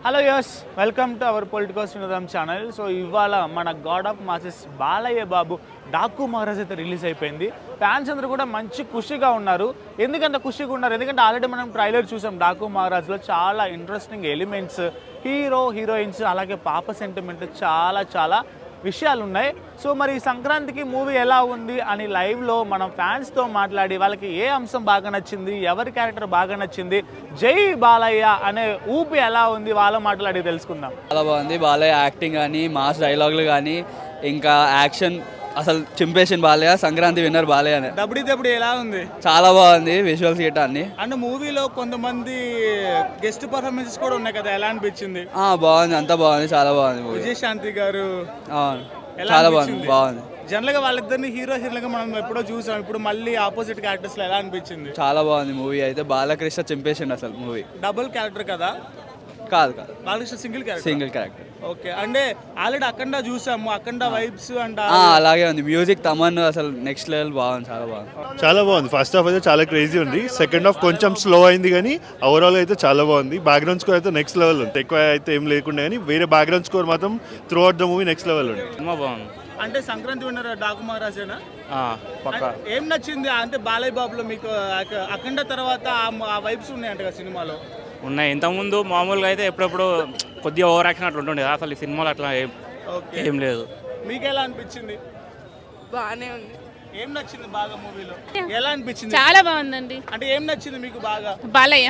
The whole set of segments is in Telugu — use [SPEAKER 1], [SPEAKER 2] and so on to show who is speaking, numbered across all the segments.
[SPEAKER 1] Hello yes welcome to our political వినోదం ఛానల్. సో ఇవాళ మన god of masses Balayya Babu Daaku Maharaaj అయితే రిలీజ్ అయిపోయింది. ఫ్యాన్స్ అందరూ కూడా మంచి ఖుషిగా ఉన్నారు. ఎందుకంటే ఖుషిగా ఉన్నారు ఎందుకంటే ఆల్రెడీ మనం ట్రైలర్ చూసాం. డాకు మహారాజ్లో చాలా ఇంట్రెస్టింగ్ ఎలిమెంట్స్, హీరో హీరోయిన్స్ అలాగే పాప సెంటిమెంట్ చాలా విషయాలు ఉన్నాయి. సో మరి సంక్రాంతికి మూవీ ఎలా ఉంది అని లైవ్లో మనం ఫ్యాన్స్తో మాట్లాడి వాళ్ళకి ఏ అంశం బాగా నచ్చింది, ఎవరి క్యారెక్టర్ బాగా నచ్చింది, జై బాలయ్య అనే ఊపి ఎలా ఉంది వాళ్ళ మాట్లాడి తెలుసుకుందాం.
[SPEAKER 2] చాలా బాగుంది. బాలయ్య యాక్టింగ్ కానీ, మాస్ డైలాగులు కానీ, ఇంకా యాక్షన్ అసలు చింపేషన్ బాలయ్య. సంక్రాంతి విన్నర్ బాలయ్య అనే
[SPEAKER 1] దబడి ఎలా ఉంది?
[SPEAKER 2] చాలా బాగుంది. విజువల్స్ గిట్ట అన్ని.
[SPEAKER 1] అండ్ మూవీలో కొంతమంది గెస్ట్ పర్ఫార్మెన్సెస్ కూడా ఉన్నాయి కదా, ఎలా అనిపించింది?
[SPEAKER 2] బాగుంది, అంతా బాగుంది, చాలా బాగుంది.
[SPEAKER 1] విజయశాంతి గారు
[SPEAKER 2] చాలా బాగుంది.
[SPEAKER 1] జనరల్ గా వాళ్ళిద్దరిని హీరోలుగా మనం ఎప్పుడో చూసాం, ఇప్పుడు మళ్ళీ ఆపోజిట్ క్యారెక్టర్స్ లో ఎలా అనిపించింది?
[SPEAKER 2] చాలా బాగుంది మూవీ అయితే. బాలకృష్ణ చింపేసిండు అసలు మూవీ.
[SPEAKER 1] డబుల్ క్యారెక్టర్ కదా?
[SPEAKER 2] కాదు
[SPEAKER 1] బాలకృష్ణ సింగిల్
[SPEAKER 2] క్యారెక్టర్.
[SPEAKER 1] ఓకే, అంటే ఆల్రెడీ అఖండ చూసాము, అఖండ వైబ్స్ అండ్
[SPEAKER 2] అలాగే ఉంది. మ్యూజిక్ తమన్ అసలు నెక్స్ట్ లెవెల్ బాగుంది,
[SPEAKER 3] చాలా బాగుంది. ఫస్ట్ హాఫ్ అయితే చాలా క్రేజీ ఉంది. సెకండ్ హాఫ్ కొంచెం స్లో అయింది కానీ ఓవరాల్ అయితే చాలా బాగుంది. బ్యాక్గ్రౌండ్ స్కోర్ అయితే నెక్స్ట్ లెవెల్ ఉంది. ఎక్కువ అయితే ఏం లేకుండా కానీ వేరే బ్యాక్గ్రౌండ్ స్కోర్ మాత్రం throughout the movie next level ఉంది.
[SPEAKER 2] బాగుంది.
[SPEAKER 1] అంటే సంక్రాంతి విన్నర్ డాకు మహారాజేనా? ఏం నచ్చింది అంటే బాలయ్య బాబులో మీకు? అఖండ తర్వాత ఆ వైబ్స్ ఉన్నాయంట కదా సినిమాలో?
[SPEAKER 4] ఉన్నాయి. ఇంతకుముందు మామూలుగా అయితే ఎప్పుడెప్పుడు కొద్దిగా ఓవర్ యాక్షన్ అట్లా ఉంటుండే, అసలు ఈ సినిమాలో అట్లా ఏం లేదు.
[SPEAKER 1] మీకు ఎలా అనిపించింది?
[SPEAKER 5] బాగానే ఉంది.
[SPEAKER 1] ఏం నచ్చింది బాగా మూవీలో? ఎలా అనిపించింది?
[SPEAKER 5] చాలా బాగుందండి.
[SPEAKER 1] అంటే ఏం నచ్చింది మీకు బాగా?
[SPEAKER 5] బాలయ్య.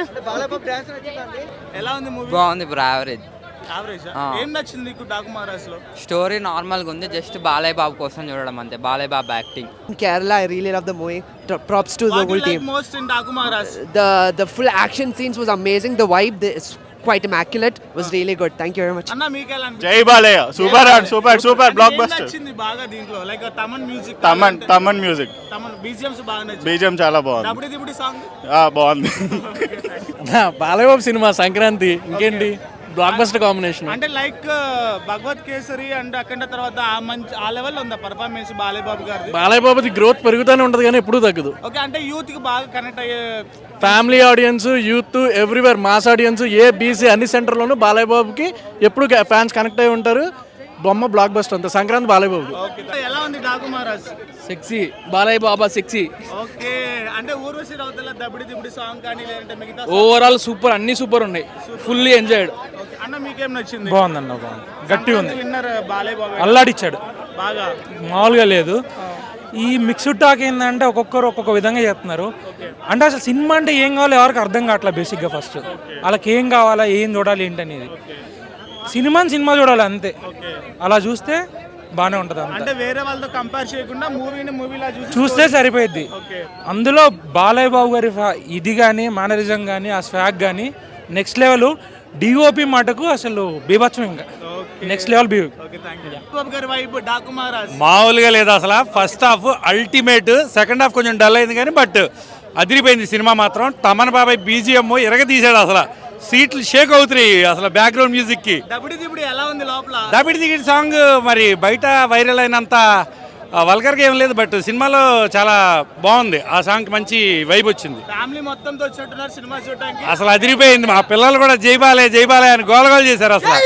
[SPEAKER 1] ఎలా ఉంది మూవీ?
[SPEAKER 6] బాగుంది బ్రో, యావరేజ్.
[SPEAKER 1] ఏం నచ్చింది నీకు డాకు మహారాజ్ లో?
[SPEAKER 6] స్టోరీ నార్మల్ గా ఉంది, జస్ట్ బాలయ్య బాబు కోసం చూడడం అంతే. Balayya Babu acting.
[SPEAKER 7] Kerala, I really love the movie. Props to the whole team.
[SPEAKER 1] Most in Daaku Maharaaj,
[SPEAKER 7] The full action scenes was amazing. The vibe is quite immaculate. Was really good. Thank you very much.
[SPEAKER 1] అన్న మీకు ఎలా అనిపించింది?
[SPEAKER 3] జై బాలయ్య సూపర్ బ్లాక్ బస్టర్.
[SPEAKER 1] నచ్చింది బాగా దీంట్లో? Like Thaman music,
[SPEAKER 3] Thaman music,
[SPEAKER 1] Thaman BGMs బాగా నచ్చింది.
[SPEAKER 3] బీజిఎం చాలా బాగుంది.
[SPEAKER 1] దబడి సాంగ్
[SPEAKER 3] బాగుంది.
[SPEAKER 8] బాలయ్య బాబు సినిమా సంక్రాంతి ఇంకేంటి బ్లాక్ బస్టర్ కాంబినేషన్.
[SPEAKER 1] అంటే లైక్ భగవత్ కేసరి అండ్ అఖండ తర్వాత ఆ లెవెల్ ఉందా పర్ఫార్మెన్స్ బాలయ్య బాబు గారి?
[SPEAKER 8] బాలయ్య బాబుది గ్రోత్ పెరుగుతూనే ఉంటది కానీ ఎప్పుడూ తగ్గదు.
[SPEAKER 1] ఓకే, అంటే యూత్ కి బాగా కనెక్ట్ అయ్యే
[SPEAKER 8] family audience, youth, everywhere mass audience, B C సెంటర్లోనూ బాలయ్య బాబుకి ఎప్పుడు ఫ్యాన్స్ కనెక్ట్ అయి ఉంటారు. బొమ్మ బ్లాక్ బస్టర్ అంతా సంక్రాంతి బాలయ్య బాబు.
[SPEAKER 1] ఎలా ఉంది Daaku Maharaaj?
[SPEAKER 8] Sexy Balayya Baba sexy.
[SPEAKER 1] Okay, అంటే ఊర్వశి రౌతల దబడి సాంగ్ కానీ లేదంటే మిగతా
[SPEAKER 8] ఓవరాల్ సూపర్, అన్ని సూపర్ ఉన్నాయి. Fully enjoyed.
[SPEAKER 1] అన్న మీకేం నచ్చింది?
[SPEAKER 8] బాగుందన్న, బాగుంది, గట్టి ఉంది.
[SPEAKER 1] విన్నర్ బాలయ్య బాబు
[SPEAKER 8] అల్లాడిచ్చాడు
[SPEAKER 1] బాగా,
[SPEAKER 9] మామూలుగా లేదు. ఈ మిక్స్డ్ టాక్ ఏంటంటే ఒక్కొక్కరు ఒక్కొక్క విధంగా చెప్తున్నారు. అంటే అసలు సినిమా అంటే ఏం కావాలో ఎవరికి అర్థం కావట్లేదు. బేసిక్గా ఫస్ట్ వాళ్ళకి ఏం కావాలా, ఏం చూడాలి ఏంటనేది, సినిమా చూడాలి అంతే. అలా చూస్తే బాగానే ఉంటుంది.
[SPEAKER 1] అంటే వేరే వాళ్ళతో కంపేర్ చేయకుండా మూవీలా
[SPEAKER 9] చూస్తే సరిపోయింది. అందులో బాలయ్య బాబు గారి ఇది కానీ, మేనరిజం కానీ, ఆ స్వాగ్ కానీ నెక్స్ట్ లెవెల్. డిఓపి మాటకు అసలు బీభత్సం, ఇంకా నెక్స్ట్ లెవెల్.
[SPEAKER 10] మామూలుగా లేదు అసలు. First half ultimate, second half కొంచెం డల్ అయింది కానీ బట్ అదిరిపోయింది సినిమా మాత్రం. తమన్ బాబాయ్ BGM ఎరగ తీసాడు అసలు. సీట్లు షేక్ అవుతున్నాయి అసలు బ్యాక్గ్రౌండ్ మ్యూజిక్ కి. దబిడి దిగిడి సాంగ్ మరి బయట వైరల్ అయినంత వల్గర్గా ఏం లేదు, బట్ సినిమాలో చాలా బాగుంది. ఆ సాంగ్ మంచి వైబ్ వచ్చింది. అసలు అదిరిపోయింది. మా పిల్లలు కూడా జై బాలయ్య అని గోలగోలు చేశారు అసలు.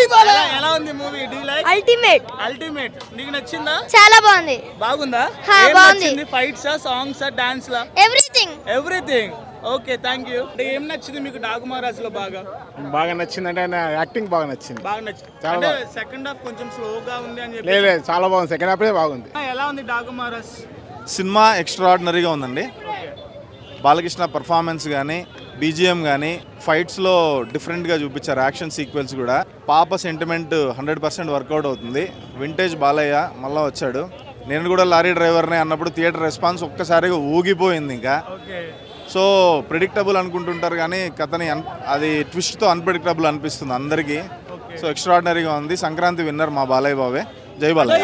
[SPEAKER 1] అల్టిమేట్ నీకు నచ్చిందా?
[SPEAKER 5] చాలా బాగుంది.
[SPEAKER 1] బాగుందా?
[SPEAKER 5] బాగుంది.
[SPEAKER 1] Fights, songs, dance, everything. Okay, thank you. అంటే ఏం నచ్చింది మీకు డాకు మహారాజ్ లో? బాగా
[SPEAKER 3] నచ్చింది అంటే యాక్టింగ్ బాగా నచ్చింది.
[SPEAKER 1] అంటే సెకండ్ హాఫ్ కొంచెం స్లోగా ఉంది అని చెప్పి.
[SPEAKER 3] లేదు, చాలా బాగుంది. సెకండ్ హాఫ్ బాగుంది.
[SPEAKER 1] ఎలా ఉంది డాకు మహారాజ్
[SPEAKER 11] సినిమా? ఎక్స్ట్రాడినరీగా ఉందండి. బాలకృష్ణ పర్ఫార్మెన్స్ కానీ, BGM కానీ, ఫైట్స్లో డిఫరెంట్గా చూపించారు. యాక్షన్ సీక్వెన్స్ కూడా. పాప సెంటిమెంట్ 100% వర్కౌట్ అవుతుంది. వింటేజ్ బాలయ్య మళ్ళీ వచ్చాడు. నేను కూడా లారీ డ్రైవర్నే అన్నప్పుడు థియేటర్ రెస్పాన్స్ ఒక్కసారిగా ఊగిపోయింది. ఇంకా సో ప్రిడిక్టబుల్ అనుకుంటుంటారు కానీ కథని అది ట్విస్ట్తో అన్ప్రిడిక్టబుల్ అనిపిస్తుంది అందరికీ. సో ఎక్స్ట్రాడినరీగా ఉంది. సంక్రాంతి విన్నర్ మా బాలయ్య బాబే. జై బాలయ్య.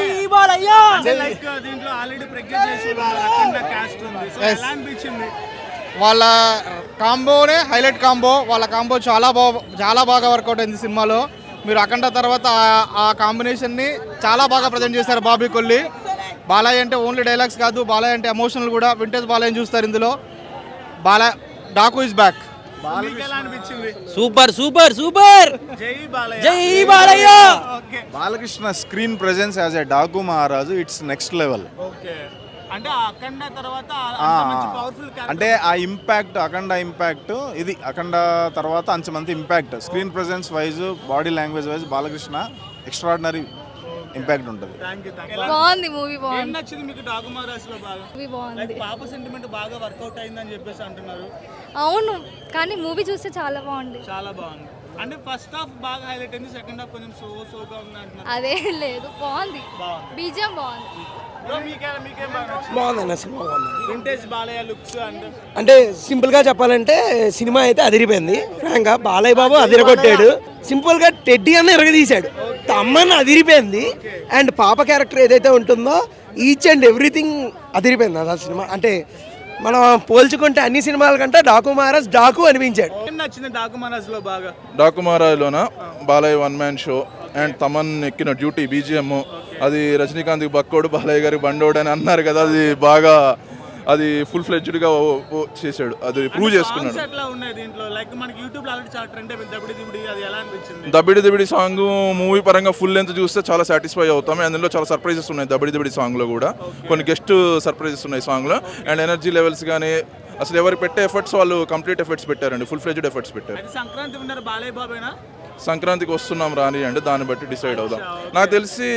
[SPEAKER 12] వాళ్ళ కాంబోనే హైలైట్ కాంబో. వాళ్ళ కాంబో చాలా బాగా వర్కౌట్ అయింది సినిమాలో. మీరు అఖండ తర్వాత ఆ కాంబినేషన్ని చాలా బాగా ప్రజెంట్ చేశారు బాబీ కొల్లి. బాలయ్య అంటే ఓన్లీ డైలాగ్స్ కాదు, బాలయ్య అంటే ఎమోషనల్ కూడా. వింటేజ్ బాలయ్యని చూస్తారు ఇందులో. Daaku is back.
[SPEAKER 1] మీకు ఎలా అనిపించింది?
[SPEAKER 2] సూపర్ సూపర్ సూపర్
[SPEAKER 1] జై బాలయ్య.
[SPEAKER 2] జై Balayya.
[SPEAKER 1] Okay
[SPEAKER 11] Balakrishna screen presence as a Daaku Maharaaj it's next level.
[SPEAKER 1] Okay అంటే ఆ అఖండ తర్వాత అంత మంచి పవర్ఫుల్
[SPEAKER 11] అంటే ఆ ఇంపాక్ట్ అఖండ ఇంపాక్ట్ ఇది అఖండ తర్వాత అంతమంది impact screen presence wise body language wise Balakrishna extraordinary impact ఉంటుంది.
[SPEAKER 5] బాగుంది మూవీ
[SPEAKER 1] ఏం
[SPEAKER 5] బాగుంది
[SPEAKER 1] నచ్చింది మీకు డాకు మహారాజ్లో బాగా?
[SPEAKER 5] మూవీ బాగుంది
[SPEAKER 1] లైక్ పాప సెంటిమెంట్ బాగా వర్కౌట్ అయిందని చెప్పేసి అంటున్నారు.
[SPEAKER 5] అవును కానీ మూవీ చూస్తే చాలా బాగుంది
[SPEAKER 1] చాలా బాగుంది. అంటే ఫస్ట్ హాఫ్ బాగా హైలైట్ అయింది, సెకండ్ హాఫ్ కొంచెం సోగా ఉంది అంటున్నారు.
[SPEAKER 5] అదే లేదు బాగుంది
[SPEAKER 1] బాగుంది.
[SPEAKER 5] బీజియం బాగుంది
[SPEAKER 1] బ్రో మీకేం బాగా నచ్చింది?
[SPEAKER 8] బాగుందన్న సినిమా బాగుంది.
[SPEAKER 1] వింటేజ్ బాలయ్య లుక్స్ అంటే
[SPEAKER 8] అంటే సింపుల్గా చెప్పాలంటే సినిమా అయితే అదిరిపోయింది. ఫ్రాంక్గా బాలయ్య బాబు అదిరగొట్టాడు. సింపుల్గా టెడ్డీ అన్న ఎరగదీశాడు. తమ్మన్న అదిరిపోయింది. అండ్ పాప క్యారెక్టర్ ఏదైతే ఉంటుందో ఈచ్ అండ్ ఎవ్రీథింగ్ అదిరిపోయింది అసలు సినిమా. అంటే మనం పోల్చుకుంటే అన్ని సినిమాల కంటే డాకు మహారాజ్ డాకు అనిపించాడు.
[SPEAKER 1] ఏం నచ్చింది డాకు మహారాజ్లో బాగా?
[SPEAKER 3] డాకుమారాలోన Balayya one man show and Thaman ఎక్కిన డ్యూటీ బీజిఎం అది రజనీకాంత్కి బక్కోడు బాలయ్య గారికి బండోడు అని అన్నారు కదా, అది బాగా అది ఫుల్ ఫ్లెడ్జ్డ్గా చేశాడు, అది ప్రూవ్ చేసుకున్నాడు.
[SPEAKER 1] సాంగ్స్ ఎట్లా ఉన్నాయి దీంట్లో? లైక్ మనకి యూట్యూబ్ లో ఆల్రెడీ చాలా ట్రెండ్ అయిపోయింది దబిడి దిబిడి, అది ఎలా అనిపించింది?
[SPEAKER 3] దబిడి దిబిడి సాంగ్ మూవీ పరంగా ఫుల్ లెంత్ చూస్తే చాలా సాటిస్ఫై అవుతాం. అందులో చాలా సర్ప్రైజెస్ ఉన్నాయి దబిడి దిబిడి సాంగ్లో కూడా. కొన్ని గెస్ట్ సర్ప్రైజెస్ ఉన్నాయి సాంగ్లో. అండ్ ఎనర్జీ లెవెల్స్ కానీ అసలు ఎవరు పెట్టే ఎఫర్ట్స్ వాళ్ళు కంప్లీట్ ఎఫర్ట్స్ పెట్టారండి, ఫుల్ ఫ్లెడ్జ్డ్ ఎఫర్ట్స్ పెట్టారు.
[SPEAKER 1] అది సంక్రాంతి విన్నర్ బాలయ్య బాబేనా?
[SPEAKER 3] సంక్రాంతికి వస్తున్నాం రాని అంటే దాన్ని బట్టి డిసైడ్ అవుదాం. నాకు తెలిసి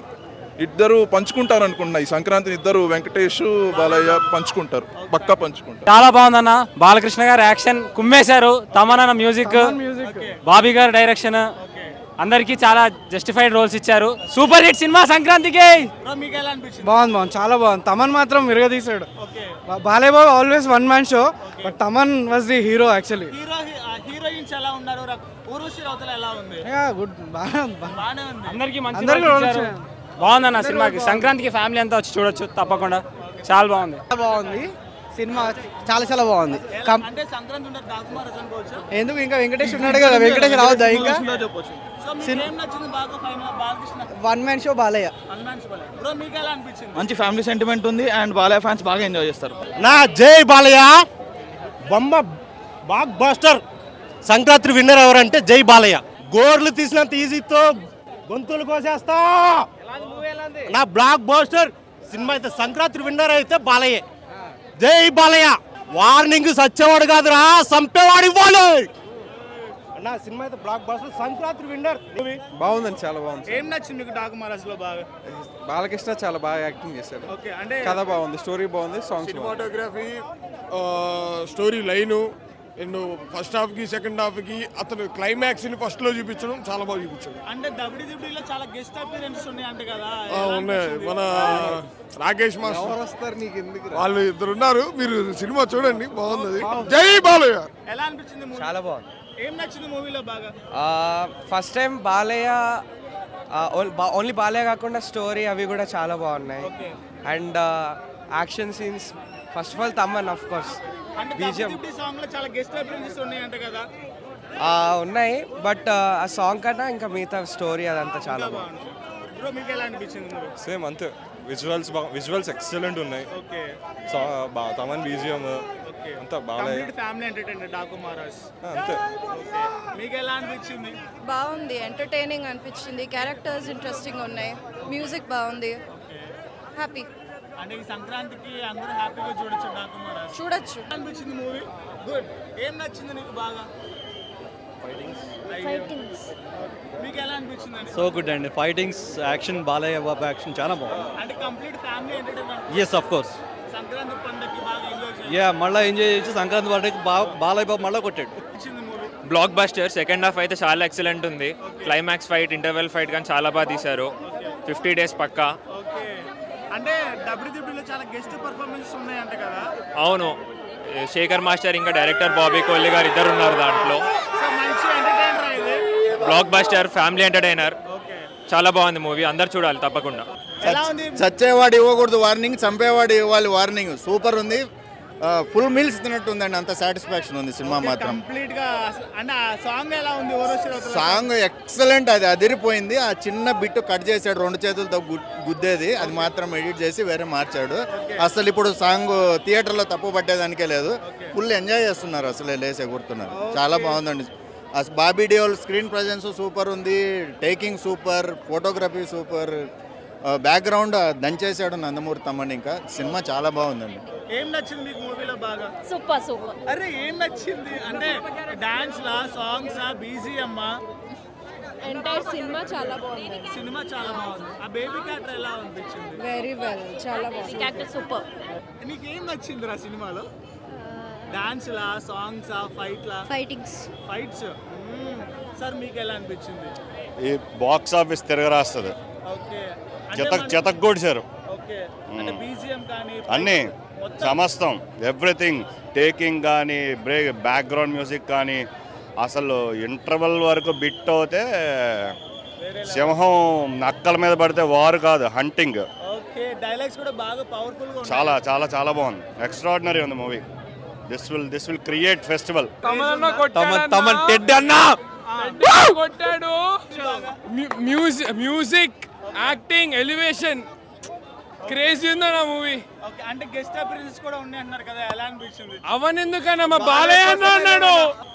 [SPEAKER 3] ఇద్దరు పంచుకుంటారు అనుకుంటున్నా ఈ సంక్రాంతిని. ఇద్దరు వెంకటేష్ బాలయ్య పంచుకుంటారు, పక్కా పంచుకుంటారు.
[SPEAKER 9] చాలా బాగుందన్న. బాలకృష్ణ గారు యాక్షన్ కుమ్మేశారు. తమన్ మ్యూజిక్, బాబీ గారు డైరెక్షన్, అందరికీ చాలా జస్టిఫైడ్ రోల్స్ ఇచ్చారు. సూపర్ హిట్ సినిమా సంక్రాంతికి.
[SPEAKER 1] బ్రో మీకు ఎలా అనిపించింది?
[SPEAKER 12] బాగుంది చాలా బాగుంది. తమన్ మాత్రం విరగదీశాడు.
[SPEAKER 1] Okay
[SPEAKER 12] Balayya Babu always one man show, but Thaman was the hero actually.
[SPEAKER 1] Heroines ఎలా ఉన్నారు? ఊర్వశి రౌతల ఎలా ఉంది?
[SPEAKER 12] గుడ్ బాగానే ఉంది.
[SPEAKER 9] అందరికీ మంచి
[SPEAKER 12] అందరికీ
[SPEAKER 9] roles
[SPEAKER 12] roles
[SPEAKER 9] ఇచ్చారు. బాగుందన్న సినిమాకి. సంక్రాంతికి ఫ్యామిలీ అంతా వచ్చి చూడొచ్చు తప్పకుండా. చాలా బాగుంది.
[SPEAKER 12] బాగుంది సినిమా, చాలా బాగుంది.
[SPEAKER 1] అంటే సంక్రాంతి విన్నర్ డాకు మహారాజ్ అనుకోవచ్చా?
[SPEAKER 12] ఎందుకు ఇంకా వెంకటేష్ ఉన్నాడు కదా, వెంకటేష్ రావద్దా ఇంకా?
[SPEAKER 1] సో మీకు ఏం నచ్చింది బాగా final? Balakrishna
[SPEAKER 12] one man show Balayya.
[SPEAKER 1] Bro మీకు ఎలా అనిపించింది?
[SPEAKER 2] మంచి ఫ్యామిలీ సెంటిమెంట్ ఉంది అండ్ బాలయ్య ఫ్యాన్స్ బాగా ఎంజాయ్ చేస్తారు.
[SPEAKER 8] నా జై బాలయ్య బొమ్మ బాగ్ బాస్టర్. సంక్రాంతి విన్నర్ ఎవరంటే జై బాలయ్య. గోర్లు తీసినంత ఈజీతో గొంతులు కోసేస్తా. నా బ్లాక్ బాస్టర్ సినిమా అయితే సంక్రాంతి విన్నర్ అయితే బాలయ్య. జై బాలయ్య. వార్నింగ్ సచ్చేవాడు కాదురా, సంపేవాడు ఇవ్వాలి. నా సినిమా అయితే బ్లాక్ బాస్టర్, సంక్రాంతి విన్నర్.
[SPEAKER 12] బాగుందండి, చాలా బాగుంది.
[SPEAKER 1] ఏం నచ్చింది మీకు డాకు మహారాజ్ లో బాగా?
[SPEAKER 12] బాలకృష్ణ చాలా బాగా యాక్టింగ్ చేశాడు.
[SPEAKER 1] ఓకే అంటే
[SPEAKER 12] కథ బాగుంది, స్టోరీ బాగుంది, songs
[SPEAKER 13] cinematography, story line, and first హాఫ్కి సెకండ్ హాఫ్కి అతను క్లైమాక్స్ని ఫస్ట్లో చూపించడం చాలా బాగా చూపించాడు.
[SPEAKER 1] అంటే దబిడి దిబిడిలో చాలా గెస్ట్ అపీరెన్స్ ఉన్నాయి అంటే కదా?
[SPEAKER 13] ఉన్నాయి. మన రాకేష్ మాస్టర్
[SPEAKER 12] వస్తారు నీకు ఎందుకు?
[SPEAKER 13] వాళ్ళు ఇద్దరు ఉన్నారు, మీరు సినిమా చూడండి, బాగుంది. జై బాలయ్య.
[SPEAKER 1] ఎలా అనిపించింది మూవీ?
[SPEAKER 7] చాలా బాగుంది.
[SPEAKER 1] ఏం నచ్చింది మూవీలో బాగా?
[SPEAKER 7] First time Balayya, only Balayya కాకుండా స్టోరీ అవి కూడా చాలా బాగున్నాయి. And action scenes, first of all Thaman of course.
[SPEAKER 1] అంటే
[SPEAKER 7] బీజిఎం
[SPEAKER 1] దబిడి సాంగ్ లో చాలా గెస్ట్ అపీరెన్సెస్ ఉన్నాయి అంటే కదా?
[SPEAKER 7] ఉన్నాయి, బట్ ఆ సాంగ్ కన్నా ఇంకా మిగతా స్టోరీ అదంతా చాలా బాగుంది.
[SPEAKER 1] బ్రో మీకు ఎలా అనిపించింది మూవీ?
[SPEAKER 3] సేమ్ అంతే. విజువల్స్ ఎక్సలెంట్ ఉన్నాయి.
[SPEAKER 1] ఓకే
[SPEAKER 3] తమన్ బీజిఎం అంతా
[SPEAKER 1] complete family entertainer Daaku Maharaaj.
[SPEAKER 3] అంతే.
[SPEAKER 1] మీకు ఎలా అనిపించింది?
[SPEAKER 5] బాగుంది, ఎంటర్టైనింగ్ అనిపించింది. క్యారెక్టర్స్ ఇంట్రెస్టింగ్ ఉన్నాయి, మ్యూజిక్ బాగుంది, హ్యాపీ.
[SPEAKER 1] అంటే ఈ సంక్రాంతికి అందరూ హ్యాపీగా చూడొచ్చు డాకు మహారాజ్.
[SPEAKER 5] చూడొచ్చు.
[SPEAKER 1] అనిపించింది మూవీ? గుడ్. ఏం నచ్చింది నీకు బాగా? మీకు ఎలా అనిపించింది అండి?
[SPEAKER 2] సో గుడ్ అండి. Fightings, action, Balayya Babu action చాలా బాగుంది.
[SPEAKER 1] అంటే complete family entertainer.
[SPEAKER 2] Yes of course.
[SPEAKER 1] Sankranti పండుగకి బాగా ఎంజాయ్
[SPEAKER 2] యా మళ్ళీ ఎంజాయ్ చేసి సంక్రాంతి పండుగకి బాలయ్య బాబు మళ్ళీ కొట్టాడు.
[SPEAKER 1] చేసింది movie.
[SPEAKER 4] Blockbuster. Second half అయితే చాలా ఎక్సలెంట్ ఉంది. క్లైమాక్స్ ఫైట్, ఇంటర్వెల్ ఫైట్ కానీ చాలా బాగా తీశారు. 50 days పక్కా.
[SPEAKER 1] ఓకే అంటే డబ్ల్యూడబ్ల్యూలో చాలా గెస్ట్ పర్ఫార్మెన్సెస్ ఉన్నాయి అంటే కదా?
[SPEAKER 4] అవును, శేఖర్ మాస్టర్ ఇంకా డైరెక్టర్ బాబీ కోహ్లీ గారు ఇద్దరు ఉన్నారు దాంట్లో.
[SPEAKER 1] సో మంచి ఎంటర్టైనర్ ఇది.
[SPEAKER 4] Blockbuster, family entertainer. చాలా బాగుంది మూవీ, అందరు చూడాలి తప్పకుండా.
[SPEAKER 1] ఎలా ఉంది?
[SPEAKER 11] చచ్చేవాడు ఇవ్వకూడదు వార్నింగ్, చంపేవాడు ఇవ్వాలి వార్నింగ్. సూపర్ ఉంది.
[SPEAKER 12] ఫుల్ మీల్స్ తిన్నట్టు ఉందండి, అంత సాటిస్ఫాక్షన్ ఉంది సినిమా మాత్రం.
[SPEAKER 1] కంప్లీట్ గా అంటే ఆ సాంగ్ ఎలా ఉంది ఊర్వశి రౌతల
[SPEAKER 12] సాంగ్ ఎక్సలెంట్, అది అదిరిపోయింది. ఆ చిన్న బిట్ కట్ చేశాడు, 2 చేతులతో గుద్దేది, అది మాత్రం ఎడిట్ చేసి వేరే మార్చాడు. అసలు ఇప్పుడు సాంగ్ థియేటర్లో తప్పు పట్టేదానికే లేదు, ఫుల్ ఎంజాయ్ చేస్తున్నారు, అసలు లేసే కూర్తున్నారు. చాలా బాగుందండి. Bobby Deol screen presence super ఉంది, taking super, photography super, background దంచేసాడు నందమూరి తమ్మని. ఇంకా సినిమా చాలా బాగుందండి.
[SPEAKER 1] ఏం నచ్చింది మీకు మూవీలో బాగా?
[SPEAKER 5] Super super.
[SPEAKER 1] అరే ఏం నచ్చింది అంటే డాన్స్ లా, సాంగ్స్ ఆ, బీజిఎం
[SPEAKER 5] ఎంటైర్ సినిమా చాలా బాగుంది.
[SPEAKER 1] సినిమా చాలా బాగుంది. ఆ బేబీ క్యారెక్టర్ ఎలా అనిపించింది?
[SPEAKER 5] వెరీ వెల్, చాలా బాగుంది. Character super.
[SPEAKER 1] నీకేం నచ్చింది రా సినిమాలో? డాన్స్ లా, సాంగ్స్ ఆ, ఫైట్ లా? ఫైట్స్. సార్ మీకు ఎలా అనిపించింది?
[SPEAKER 3] ఈ బాక్స్ ఆఫీస్ తిరగరాస్తుంది,
[SPEAKER 1] ఓకే
[SPEAKER 3] చెతకొడిచారు
[SPEAKER 1] ఓకే. అంటే బీజిఎం కానీ
[SPEAKER 3] అన్నీ సమస్తం, ఎవ్రీథింగ్, టేకింగ్ కానీ బ్యాక్గ్రౌండ్ మ్యూజిక్ కానీ, అసలు ఇంటర్వెల్ వరకు బిట్ అవుతే సింహం నక్కల మీద పడితే వారు కాదు, హంటింగ్.
[SPEAKER 1] ఓకే. డైలాగ్స్ కూడా బాగా పవర్ఫుల్ గా
[SPEAKER 3] చాలా చాలా చాలా బాగుంది, ఎక్స్ట్రాడినరీ ఉంది movie. This will create festival.
[SPEAKER 7] Thaman టెడ్ అన్న కొట్టాడు. మ్యూజిక్, యాక్టింగ్, ఎలివేషన్ క్రేజీ ఉందన్న మూవీ.
[SPEAKER 1] ఓకే. అంటే గెస్ట్ అపియరెన్సెస్ కూడా ఉన్నాయి అన్నారు కదా, ఎలా అనిపించింది?
[SPEAKER 7] అవన్ ఎందుకన్నా మా బాలయ్య అన్న అన్నాడు,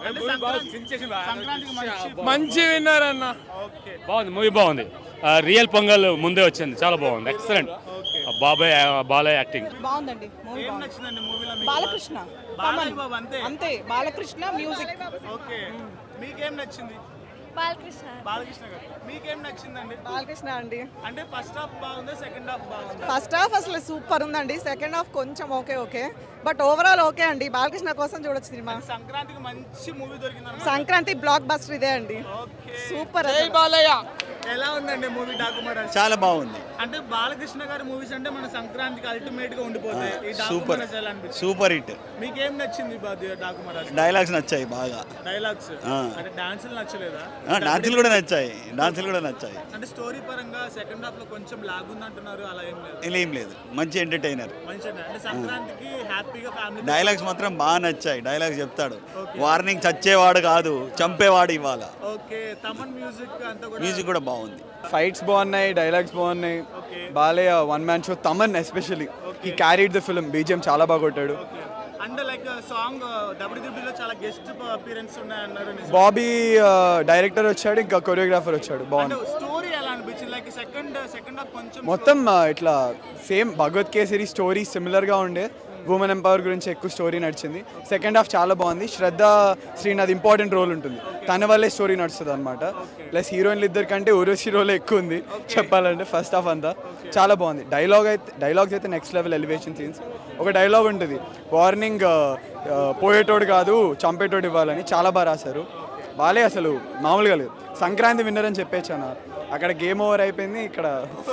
[SPEAKER 1] సంక్రాంతికి
[SPEAKER 7] మంచి విన్నర్ అన్న.
[SPEAKER 1] ఓకే.
[SPEAKER 10] బాగుంది, మూవీ బాగుంది. రియల్ పొంగల్ ముందే వచ్చింది, చాలా బాగుంది, ఎక్సలెంట్. బాలయ్య యాక్టింగ్
[SPEAKER 5] బాగుందండి.
[SPEAKER 1] ఏం నచ్చిందండి మూవీలో?
[SPEAKER 5] బాలకృష్ణ
[SPEAKER 1] బాలయ్య బాబు అంతే.
[SPEAKER 5] అంతే, బాలకృష్ణ మ్యూజిక్.
[SPEAKER 1] ఓకే. మీకేం నచ్చింది? బాలకృష్ణ గారు మీకేం నచ్చిందండి?
[SPEAKER 5] బాలకృష్ణ అండి.
[SPEAKER 1] అంటే ఫస్ట్ హాఫ్ బాగుందా, సెకండ్ హాఫ్ బాగుందా?
[SPEAKER 5] ఫస్ట్ హాఫ్ అసలు సూపర్ ఉందండి, సెకండ్ హాఫ్ కొంచెం ఓకే బట్ ఓవరాల్ ఓకే అండి. బాలకృష్ణ కోసం చూడొచ్చు సినిమా.
[SPEAKER 1] సంక్రాంతికి మంచి మూవీ దొరికింది.
[SPEAKER 5] సంక్రాంతి బ్లాక్ బస్టర్ ఇదే అండి, సూపర్.
[SPEAKER 1] ఎలా ఉందండి మూవీ డాక్యుమెంటరీ?
[SPEAKER 12] చాలా బాగుంది,
[SPEAKER 1] అంటే బాలకృష్ణ గారి మూవీస్ అంటే మన సంక్రాంతికి అల్టిమేట్ గా ఉండిపోతాయి. ఈ డాక్యుమెంటరీ ఎలా అనిపించింది?
[SPEAKER 12] Super hit.
[SPEAKER 1] మీకేం నచ్చింది డాక్యుమెంటరీ?
[SPEAKER 12] డైలాగ్స్ నచ్చాయి బాగా,
[SPEAKER 1] డైలాగ్స్ అంటే డాన్సులు నచ్చలేదా?
[SPEAKER 12] డాన్సులు కూడా నచ్చాయి.
[SPEAKER 1] అంటే స్టోరీ పరంగా సెకండ్ హాఫ్ లో కొంచెం లాగ్ ఉంది అంటున్నారు, అలా ఏం లేదు?
[SPEAKER 12] ఏం లేదు, మంచి ఎంటర్టైనర్.
[SPEAKER 1] మంచిగా అంటే సంక్రాంతికి హ్యాపీగా ఫ్యామిలీ.
[SPEAKER 12] డైలాగ్స్ మాత్రం బాగా నచ్చాయి, డైలాగ్స్ చెప్తాడు, వార్నింగ్ చచ్చేవాడు కాదు చంపేవాడు ఇవాళ.
[SPEAKER 1] ఓకే. తమన్ మ్యూజిక్ అంతా కూడా
[SPEAKER 12] మ్యూజిక్ కూడా బాగుంది,
[SPEAKER 7] ఫైట్స్ బాగున్నాయి, డైలాగ్స్ బాగున్నాయి. Balayya one man show. Thaman especially he carried the film. BGM చాలా బాగా కొట్టాడు.
[SPEAKER 1] అంటే లైక్ సాంగ్ డబ్ల్యూడబ్ల్యూలో చాలా గెస్ట్ అపియరెన్స్ ఉన్నాయన్నారు.
[SPEAKER 7] బాబీ డైరెక్టర్ వచ్చాడు, ఇంకా కొరియోగ్రాఫర్ వచ్చాడు. బాగుంది.
[SPEAKER 1] స్టోరీ ఎలా అనిపించింది? లైక్ సెకండ్ హాఫ్ కొంచెం
[SPEAKER 7] మొత్తం ఇట్లా సేమ్ భగవత్ కేసరి స్టోరీ సిమిలర్గా ఉండే. ఉమెన్ ఎంపవర్ గురించి ఎక్కువ స్టోరీ నడిచింది. సెకండ్ హాఫ్ చాలా బాగుంది. శ్రద్ధ శ్రీనాథ్ ఇంపార్టెంట్ రోల్ ఉంటుంది, తన వల్లే స్టోరీ నడుస్తుంది అనమాట. ప్లస్ హీరోయిన్లు ఇద్దరు కంటే ఊర్వశి రోల్ ఎక్కువ ఉంది చెప్పాలంటే. ఫస్ట్ హాఫ్ అంతా చాలా బాగుంది. డైలాగ్స్ అయితే నెక్స్ట్ లెవెల్, ఎలివేషన్ సీన్స్. ఒక డైలాగ్ ఉంటుంది, వార్నింగ్ పోయేటోడు కాదు చంపేటోడు ఇవ్వాలని, చాలా బాగా రాశారు. బాలే అసలు మామూలుగా లేదు. సంక్రాంతి విన్నర్ అని చెప్పేచ్చాను. అక్కడ గేమ్ ఓవర్ అయిపోయింది, ఇక్కడ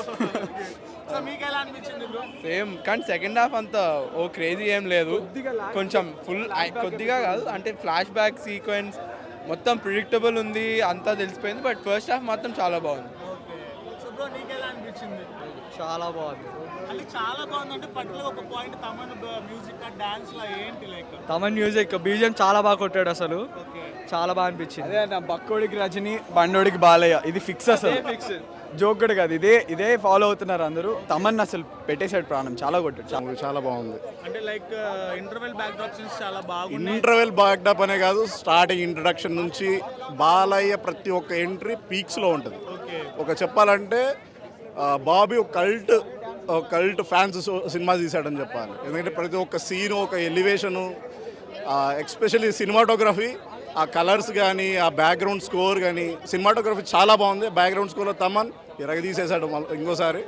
[SPEAKER 1] మీకు ఎలా అనిపించింది బ్రో?
[SPEAKER 7] సేమ్, కానీ సెకండ్ హాఫ్ అంతా ఓ క్రేజీ ఏం లేదు, కొంచెం ఫుల్ కొద్దిగా కాదు, అంటే ఫ్లాష్ బ్యాక్ సీక్వెన్స్ మొత్తం ప్రిడిక్టబుల్ ఉంది, అంతా తెలిసిపోయింది. బట్ ఫస్ట్ హాఫ్ మాత్రం చాలా బాగుంది.
[SPEAKER 1] సో బ్రో నీకు ఎలా అనిపించింది?
[SPEAKER 7] చాలా బాగుంది.
[SPEAKER 1] అంటే చాలా బాగుంది అంటే పర్టికులర్ ఒక పాయింట్ తమన్ మ్యూజిక్ డాన్స్ లా ఏంటి లైక్?
[SPEAKER 7] తమన్ మ్యూజిక్ బీజిఎం చాలా బాగా కొట్టాడు అసలు, చాలా బాగా అనిపించింది. అదే అన్న, బక్కోడికి రజని, బండోడికి బాలయ్య, ఇది ఫిక్స్ అసలు, ఫిక్స్ జోక్ కూడా కాదు. ఇదే ఫాలో అవుతున్నారు అందరూ. తమన్ అసలు పెట్టేశాడు ప్రాణం, చాలా కొట్టాడు.
[SPEAKER 12] చాలా బాగుంది.
[SPEAKER 1] అంటే like interval backdrop scenes చాలా బాగున్నాయి.
[SPEAKER 12] ఇంటర్వెల్ బ్యాక్డప్ అనే కాదు, స్టార్టింగ్ ఇంట్రడక్షన్ నుంచి బాలయ్య ప్రతి ఒక్క ఎంట్రీ పీక్స్లో ఉంటుంది. ఒక చెప్పాలంటే బాబీ ఒక కల్ట్ ఫ్యాన్స్ సినిమా తీశాడని చెప్పాలి. ఎందుకంటే ప్రతి ఒక్క సీను, ఒక ఎలివేషను, ఎక్స్పెషల్లీ సినిమాటోగ్రఫీ, ఆ కలర్స్ కానీ, ఆ బ్యాక్గ్రౌండ్ స్కోర్ కానీ, సినిమాటోగ్రఫీ చాలా బాగుంది. బ్యాక్గ్రౌండ్ స్కోర్లో తమన్ తీసేశాడు ఇంకోసారి.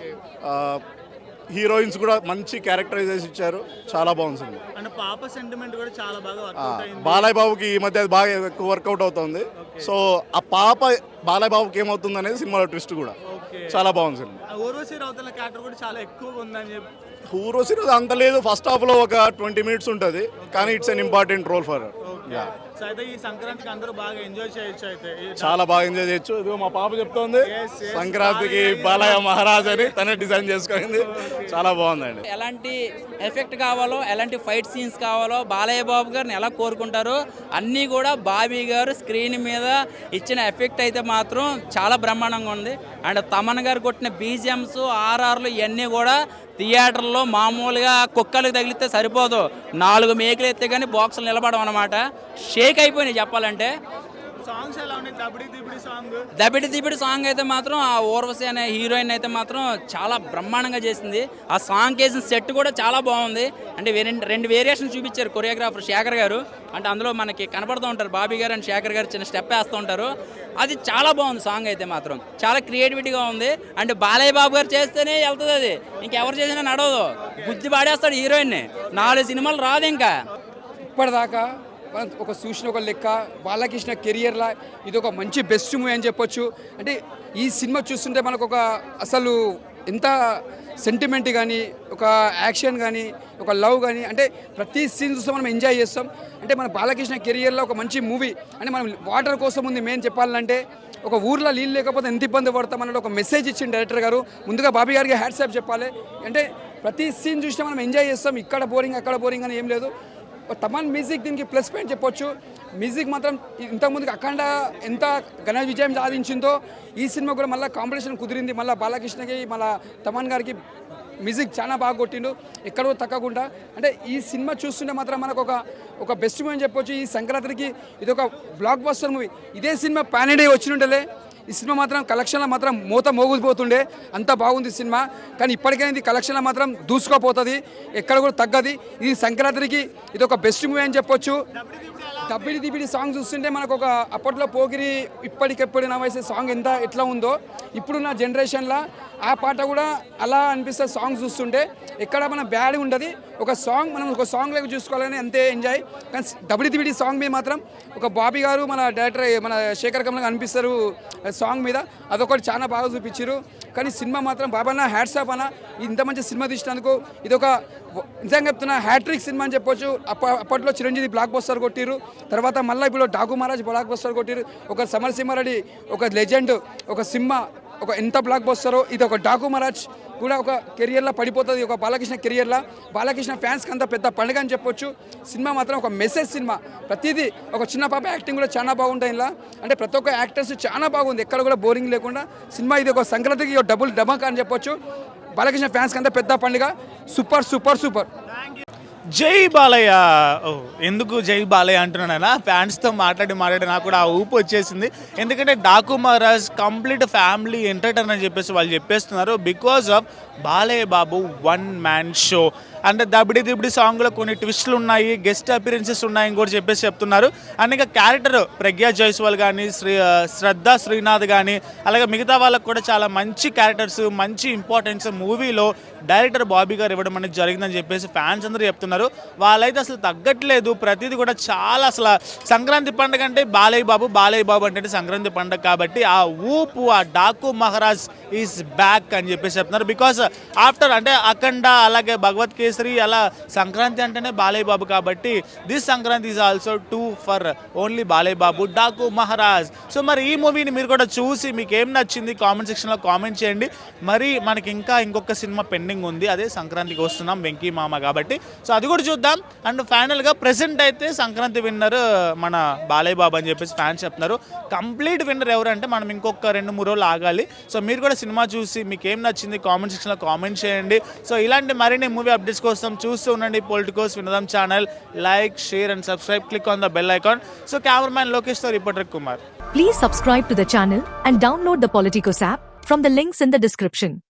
[SPEAKER 12] హీరోయిన్స్ కూడా మంచి క్యారెక్టరైజేషన్ ఇచ్చారు, చాలా బాగుంది సినిమా.
[SPEAKER 1] అంటే పాప సెంటిమెంట్ కూడా చాలా బాగా వర్కౌట్ అయింది.
[SPEAKER 12] బాలయ్య బాబుకి ఈ మధ్య అది బాగా ఎక్కువ వర్కౌట్ అవుతుంది. సో ఆ పాప బాలయ్య బాబుకి ఏమవుతుంది అనేది సినిమాలో ట్విస్ట్ కూడా చాలా బాగుంది సినిమా.
[SPEAKER 1] ఊర్వశి రౌతల క్యారెక్టర్ కూడా చాలా ఎక్కువగా ఉందని చెప్పి.
[SPEAKER 12] ఊర్వశి అంత లేదు, ఫస్ట్ హాఫ్లో ఒక 20 minutes ఉంటుంది, కానీ it's an important role for.
[SPEAKER 1] So అయితే ఈ సంక్రాంతికి అందరూ బాగా ఎంజాయ్ చేయొచ్చు అయితే
[SPEAKER 11] చాలా బాగా ఎంజాయ్ చేయొచ్చు. ఇదిగో మా పాప చెప్తోంది
[SPEAKER 1] Yes, yes.
[SPEAKER 11] సంక్రాంతికి బాలయ్య మహారాజ్ అని తనే డిజైన్ చేసుకుంది. చాలా బాగుందండి.
[SPEAKER 6] ఎలాంటి ఎఫెక్ట్ కావాలో ఎలాంటి ఫైట్ సీన్స్ కావాలో బాలయ్య బాబు గారిని ఎలా కోరుకుంటారో అన్నీ కూడా బాబీ గారు స్క్రీన్ మీద ఇచ్చిన ఎఫెక్ట్ అయితే మాత్రం చాలా బ్రహ్మాండంగా ఉంది. అండ్ తమన్ గారు కొట్టిన బీజిఎమ్స్ ఆర్ఆర్లు ఇవన్నీ కూడా థియేటర్లో మామూలుగా కుక్కలకు తగిలితే సరిపోదు, 4 మేకులు ఎత్తే కానీ బాక్సులు నిలబడడం అనమాట. షేక్ అయిపోయినాయి చెప్పాలంటే.
[SPEAKER 1] సాంగ్స్ ఎలా ఉన్నాయి? దబిడి దిబిడి సాంగ్,
[SPEAKER 6] దబిడి దిబిడి సాంగ్ అయితే మాత్రం ఆ ఊర్వశి అనే హీరోయిన్ అయితే మాత్రం చాలా బ్రహ్మాండంగా చేసింది. ఆ సాంగ్ వేసిన సెట్ కూడా చాలా బాగుంది. అంటే రెండు వేరియేషన్ చూపించారు కొరియోగ్రాఫర్ శేఖర్ గారు. అంటే అందులో మనకి కనపడుతూ ఉంటారు బాబీ గారు అండ్ శేఖర్ గారు చిన్న స్టెప్ వేస్తూ ఉంటారు. అది చాలా బాగుంది సాంగ్ అయితే మాత్రం, చాలా క్రియేటివిటీగా ఉంది. అంటే బాలయ్య బాబు గారు చేస్తేనే వెళ్తుంది, అది ఇంకెవరు చేసినా నడవదు. గుద్ది పాడేస్తాడు హీరోయిన్ని, 4 సినిమాలు రాదు ఇంకా.
[SPEAKER 7] ఇప్పటిదాకా ఒక చూసిన ఒక లెక్క బాలకృష్ణ కెరియర్లో ఇది ఒక మంచి బెస్ట్ మూవీ అని చెప్పొచ్చు. అంటే ఈ సినిమా చూస్తుంటే మనకు ఒక అసలు ఎంత సెంటిమెంట్ కానీ, ఒక యాక్షన్ కానీ, ఒక లవ్ కానీ, అంటే ప్రతి సీన్ చూస్తే మనం ఎంజాయ్ చేస్తాం. అంటే మన బాలకృష్ణ కెరియర్లో ఒక మంచి మూవీ. అంటే మనం వాటర్ కోసం ఉంది మెయిన్ చెప్పాలంటే. ఒక ఊర్లో నీళ్ళు లేకపోతే ఎంత ఇబ్బంది పడతాం అన్నట్టు ఒక మెసేజ్ ఇచ్చిన డైరెక్టర్ గారు. ముందుగా బాబీ గారికి హ్యాట్సాప్ చెప్పాలి. అంటే ప్రతి సీన్ చూస్తే మనం ఎంజాయ్ చేస్తాం. ఇక్కడ బోరింగ్ అక్కడ బోరింగ్ అని ఏం లేదు. తమన్ మ్యూజిక్ దీనికి ప్లస్ పాయింట్ చెప్పొచ్చు. మ్యూజిక్ మాత్రం ఇంతకుముందుకు అఖండ ఎంత ఘన విజయం సాధించిందో ఈ సినిమా కూడా మళ్ళీ కాంపిటీషన్ కుదిరింది. మళ్ళీ బాలకృష్ణకి మళ్ళీ తమన్ గారికి మ్యూజిక్ చాలా బాగా కొట్టిండు, ఎక్కడో తగ్గకుండా. అంటే ఈ సినిమా చూస్తుంటే మాత్రం మనకు ఒక బెస్ట్ మూవీ అని చెప్పొచ్చు. ఈ సంక్రాంతికి ఇది ఒక బ్లాక్ బస్టర్ మూవీ. ఇదే సినిమా పాన్ ఇండియా వచ్చినుంటలే ఈ సినిమా మాత్రం కలెక్షన్లో మాత్రం మూత మోగిపోతుండే, అంత బాగుంది సినిమా. కానీ ఇప్పటికైనా ఇది కలెక్షన్లో మాత్రం దూసుకోపోతుంది, ఎక్కడ కూడా తగ్గది. ఇది సంక్రాంతికి ఇది ఒక బెస్ట్ మూవీ అని చెప్పొచ్చు. దబ్బిడి దిబిడి సాంగ్ చూస్తుంటే మనకు ఒక అప్పట్లో పోగిరి ఇప్పటికెప్పుడు నా వయసు సాంగ్ ఎట్లా ఉందో ఇప్పుడున్న జనరేషన్లో ఆ పాట కూడా అలా అనిపిస్తుంది. సాంగ్ చూస్తుంటే ఎక్కడ మన బ్యాడ్ ఉండదు. ఒక సాంగ్ మనం ఒక సాంగ్ లాగా చూసుకోవాలని అంతే ఎంజాయ్. కానీ దబ్బిడి దిబిడి సాంగ్ మీద మాత్రం ఒక బాబీ గారు మన డైరెక్టర్ మన శేఖర్ కమల్ అనిపిస్తారు సాంగ్ మీద. అదొకటి చాలా బాగా చూపించారు. కానీ సినిమా మాత్రం బాబాన్న హ్యాట్సాప్ అన్న, ఇంత మంచి సినిమా తీసినందుకు ఇది ఒక నిజంగా చెప్తున్నా హ్యాట్రిక్ సినిమా అని చెప్పొచ్చు. అప్పట్లో చిరంజీవి బ్లాక్ బస్టర్ కొట్టిరు, తర్వాత మళ్ళీ ఇప్పుడు డాకు మహారాజ్ బ్లాక్ బస్టర్ కొట్టిరు. ఒక సమరసింహారెడ్డి ఒక లెజెండ్, ఒక సినిమా ఒక ఎంత బ్లాక్ బస్టరో ఇది ఒక డాకు మహారాజ్ కూడా ఒక కెరియర్లో పడిపోతుంది. ఒక బాలకృష్ణ కెరియర్లో బాలకృష్ణ ఫ్యాన్స్కి అంత పెద్ద పండుగ అని చెప్పొచ్చు. సినిమా మాత్రం ఒక మెసేజ్ సినిమా. ప్రతిదీ ఒక చిన్న పాప యాక్టింగ్ కూడా చాలా బాగుంటాయి ఇలా. అంటే ప్రతి ఒక్క యాక్టర్స్ చాలా బాగుంది, ఎక్కడ కూడా బోరింగ్ లేకుండా సినిమా. ఇది ఒక సంక్రాంతికి ఒక డబుల్ డమక్ అని చెప్పొచ్చు. బాలకృష్ణ ఫ్యాన్స్కి అంతా పెద్ద పండుగ. Super super super.
[SPEAKER 1] జై బాలయ్య. ఎందుకు జై బాలయ్య అంటున్నానా, ఫ్యాన్స్తో మాట్లాడి నాకు కూడా ఆ ఊపు వచ్చేసింది. ఎందుకంటే Daaku Maharaaj complete family entertainer అని చెప్పేసి వాళ్ళు చెప్పేస్తున్నారు. Because of Balayya Babu 1 man show. అంటే దబిడి దిబిడి సాంగ్లో కొన్ని ట్విస్టులు ఉన్నాయి, గెస్ట్ అపిరెన్సెస్ ఉన్నాయని కూడా చెప్పేసి చెప్తున్నారు. అండ్ ఇంకా క్యారెక్టర్ ప్రజ్ఞా జైస్వాల్ కానీ, శ్రద్ధ శ్రీనాథ్ కానీ, అలాగే మిగతా వాళ్ళకు కూడా చాలా మంచి క్యారెక్టర్స్, మంచి ఇంపార్టెన్స్ మూవీలో డైరెక్టర్ బాబీ గారు ఇవ్వడం అనేది జరిగిందని చెప్పేసి ఫ్యాన్స్ అందరూ చెప్తున్నారు. వాళ్ళైతే అసలు తగ్గట్లేదు. ప్రతిదీ కూడా చాలా అసలు సంక్రాంతి పండుగ అంటే బాలయ్య బాబు అంటే సంక్రాంతి పండుగ కాబట్టి ఆ ఊపు, ఆ డాకు మహారాజ్ ఈజ్ బ్యాక్ అని చెప్పేసి చెప్తున్నారు. బికాస్ ఆఫ్టర్ అంటే అఖండ అలాగే భగవత్ కేసరి అలా సంక్రాంతి అంటేనే బాలయ్య బాబు కాబట్టి this Sankranti is also too for only Balayya Babu Daaku Maharaaj. So మరి ఈ మూవీని మీరు కూడా చూసి మీకు ఏం నచ్చింది కామెంట్ సెక్షన్లో కామెంట్ చేయండి. మరి మనకి ఇంకొక సినిమా పెండింగ్ ఉంది, అదే సంక్రాంతికి వస్తున్నాం వెంకీ మామ కాబట్టి. సో అది కూడా చూద్దాం. అండ్ ఫైనల్గా ప్రెసెంట్ అయితే సంక్రాంతి విన్నర్ మన బాలయ్య బాబు అని చెప్పేసి ఫ్యాన్స్ చెప్తున్నారు. కంప్లీట్ విన్నర్ ఎవరంటే మనం ఇంకొక 2-3 రోజులు ఆగాలి. సో మీరు కూడా సినిమా చూసి మీకు ఏం నచ్చింది కామెంట్ సెక్షన్లో కామెంట్ చేయండి. సో ఇలాంటి మరిన్ని మూవీ అప్డేట్స్ కోసం చూస్తూ ఉండండి పొలిటికోస్ వినోదం channel. Like, share and subscribe. Click on the bell icon. So cameraman లోకేష్తో reporter Kumar.
[SPEAKER 14] Please subscribe to the channel and download the Politicos app from the links in the description.